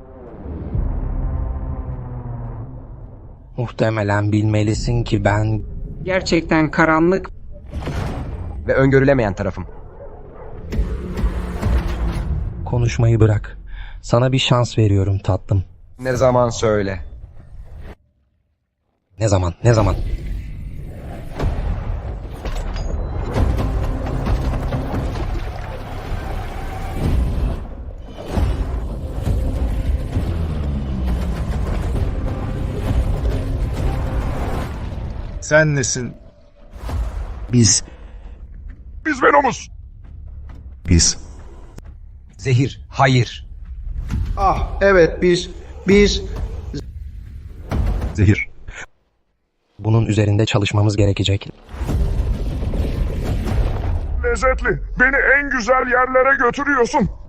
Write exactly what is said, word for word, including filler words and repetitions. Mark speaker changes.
Speaker 1: Muhtemelen bilmelisin ki ben...
Speaker 2: Gerçekten karanlık
Speaker 3: Ve öngörülemeyen tarafım.
Speaker 1: Konuşmayı bırak. Sana bir şans veriyorum tatlım.
Speaker 3: Ne zaman söyle.
Speaker 1: Ne zaman, ne zaman?
Speaker 4: Sen nesin?
Speaker 5: Biz,
Speaker 4: Biz Venom'uz.
Speaker 5: biz.
Speaker 3: Zehir, hayır.
Speaker 5: Ah, evet biz, biz. Zehir.
Speaker 1: Bunun üzerinde çalışmamız gerekecek.
Speaker 4: Lezzetli. Beni en güzel yerlere götürüyorsun.